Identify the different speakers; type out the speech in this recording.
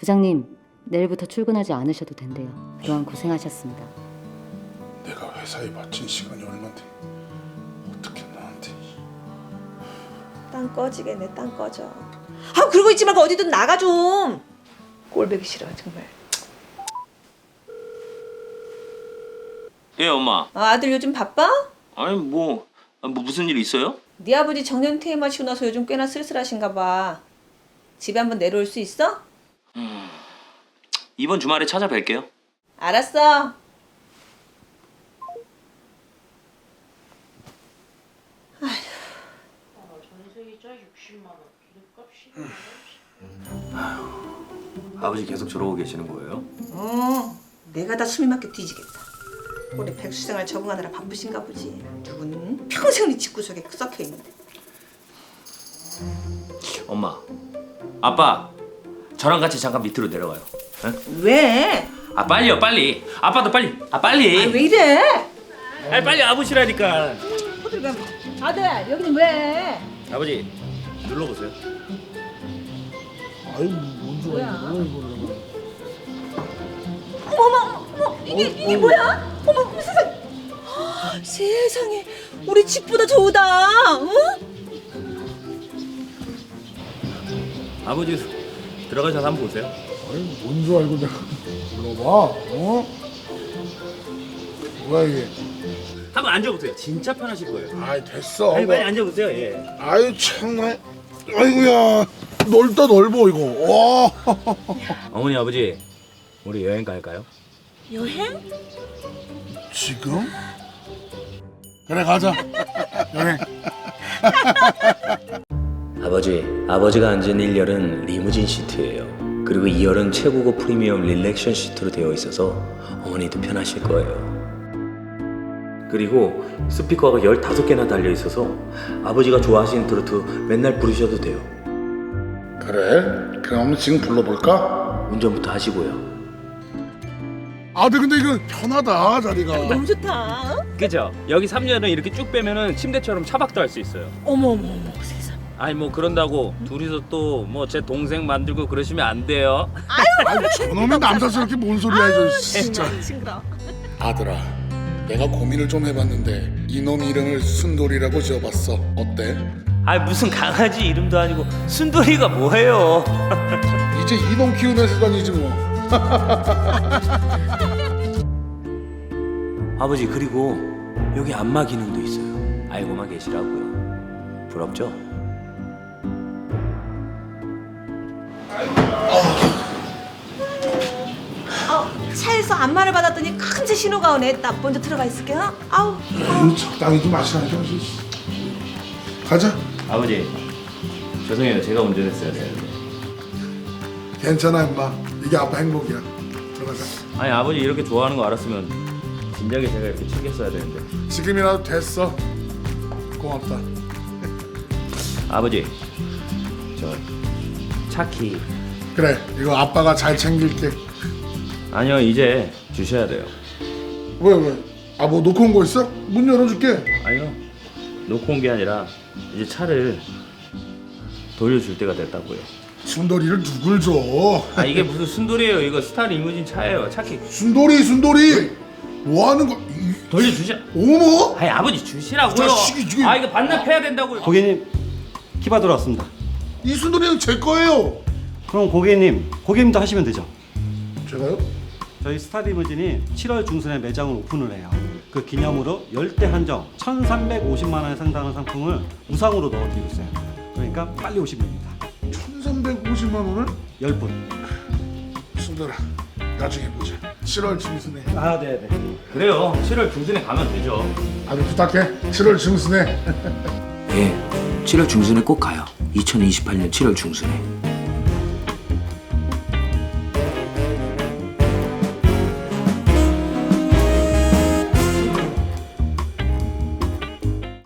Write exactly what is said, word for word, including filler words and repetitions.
Speaker 1: 부장님, 내일부터 출근하지 않으셔도 된대요. 그동안 고생하셨습니다.
Speaker 2: 내가 회사에 바친 시간이 얼만데 어떻게 나한테.
Speaker 3: 땅 꺼지겠네. 땅 꺼져. 아 그러고 있지 말고 어디든 나가 좀. 꼴보기 싫어 정말.
Speaker 4: 예, 엄마.
Speaker 3: 아, 아들 요즘 바빠?
Speaker 4: 아니 뭐, 아, 뭐 무슨 일 있어요?
Speaker 3: 네 아버지 정년 퇴임하시고 나서 요즘 꽤나 쓸쓸하신가 봐. 집에 한번 내려올 수 있어?
Speaker 4: 음, 이번 주말에 찾아뵐게요.
Speaker 3: 알았어.
Speaker 4: 아버지 계속 저러고 계시는 거예요?
Speaker 3: 어, 내가 다 숨이 막혀 뒤지겠다. 올해 백수생활 적응하느라 바쁘신가 보지. 누구는 평생 네 집구석에 썩혀 있는데.
Speaker 4: 엄마, 아빠, 저랑 같이 잠깐 밑으로 내려가요. 에?
Speaker 3: 왜?
Speaker 4: 아 빨리요, 빨리. 아빠도 빨리. 아 빨리.
Speaker 3: 아, 왜 이래?
Speaker 4: 아 빨리 아버지라니까.
Speaker 3: 어딜 가? 아들 여기는 왜?
Speaker 4: 아버지, 눌러보세요.
Speaker 2: 아유 뭔 소리야 이거.
Speaker 3: 어머 어머 어머 이게 이게 뭐야? 어머 어머, 세상. 아, 세상에 우리 집보다 좋다. 응?
Speaker 4: 아버지 들어가셔서 한번 보세요.
Speaker 2: 아유 뭔 줄 알고 내가 불러봐. 어? 뭐야 이게.
Speaker 4: 한번 앉아보세요. 진짜 편하실 거예요.
Speaker 2: 아이 됐어.
Speaker 4: 아니,
Speaker 2: 뭐.
Speaker 4: 빨리 앉아보세요. 예.
Speaker 2: 아유 참나. 아이고야 넓다 넓어 이거. 와.
Speaker 4: 어머니, 아버지, 우리 여행 갈까요?
Speaker 3: 여행?
Speaker 2: 지금? 그래 가자. 여행.
Speaker 4: 아버지, 아버지가 앉은 일 열은 리무진 시트예요. 그리고 이 열은 최고급 프리미엄 릴렉션 시트로 되어 있어서 어머니도 편하실 거예요. 그리고 스피커가 열다섯 개나 달려 있어서 아버지가 좋아하시는 트로트 맨날 부르셔도 돼요.
Speaker 2: 그래? 그럼 지금 불러볼까?
Speaker 4: 운전부터 하시고요.
Speaker 2: 아들 근데 이거 편하다 자리가.
Speaker 3: 너무 좋다. 어?
Speaker 5: 그죠? 여기 삼 년은 이렇게 쭉 빼면은 침대처럼 차박도 할 수 있어요.
Speaker 3: 어머 어머 어머 세상.
Speaker 5: 아니 뭐 그런다고 둘이서 또 뭐 제 동생 만들고 그러시면 안 돼요.
Speaker 2: 아유 저놈의 남사스럽게 뭔 소리야 이거 진짜.
Speaker 3: 징그러.
Speaker 2: 아들아, 내가 고민을 좀 해봤는데 이놈 이름을 순돌이라고 지어봤어. 어때?
Speaker 5: 아 무슨 강아지 이름도 아니고 순돌이가 뭐예요?
Speaker 2: 이제 이놈 키우는 세상이지 뭐.
Speaker 4: 아버지, 그리고 여기 안마 기능도 있어요. 알고만 계시라고요. 부럽죠?
Speaker 3: 어, 차에서 안마를 받았더니 큰제 신호가 오네. 나 먼저 들어가 있을게요. 아우.
Speaker 2: 아유, 적당히 좀 마시라니까. 가자.
Speaker 4: 아버지, 죄송해요. 제가 운전했어야 되는데.
Speaker 2: 괜찮아 임마. 이게 아빠 행복이야. 들어가자.
Speaker 5: 아니 아버지 이렇게 좋아하는 거 알았으면 진작에 제가 이렇게 챙겼어야 되는데.
Speaker 2: 지금이라도 됐어. 고맙다.
Speaker 5: 아버지 저 차키.
Speaker 2: 그래, 이거 아빠가 잘 챙길게.
Speaker 5: 아니요 이제 주셔야 돼요.
Speaker 2: 왜 왜? 아 뭐 놓고 온 거 있어? 문 열어줄게.
Speaker 5: 아니요 놓고 온 게 아니라 이제 차를 돌려줄 때가 됐다고요.
Speaker 2: 순돌이를 누굴 줘?
Speaker 5: 아 이게 무슨 순돌이에요? 이거 스타 리무진 차예요. 차키
Speaker 2: 순돌이 순돌이. 뭐 하는 거? 이-
Speaker 5: 돌려주셔.
Speaker 2: 어머?
Speaker 5: 아니 아버지 주시라고요.
Speaker 2: 자식이 지금-
Speaker 5: 아 이거 반납해야 된다고요.
Speaker 6: 고객님, 키바 들어왔습니다.
Speaker 2: 이 순돌이는 제 거예요.
Speaker 6: 그럼 고객님, 고객님도 하시면 되죠.
Speaker 2: 제가요?
Speaker 6: 저희 스타리무진이 칠월 중순에 매장을 오픈을 해요. 그 기념으로 열대 한정 천삼백오십만 원에 상당한 상품을 무상으로 넣어드리고 있어요. 그러니까 빨리 오시면 됩니다.
Speaker 2: 천삼백오십만 원을?
Speaker 6: 열 분.
Speaker 2: 순돌아, 나중에 보자. 칠월 중순에.
Speaker 6: 아, 네네.
Speaker 5: 그래요. 칠월 중순에 가면 되죠.
Speaker 2: 아주 부탁해. 칠월 중순에.
Speaker 4: 예, 칠월 중순에 꼭 가요. 이천이십팔 년 칠월 중순에.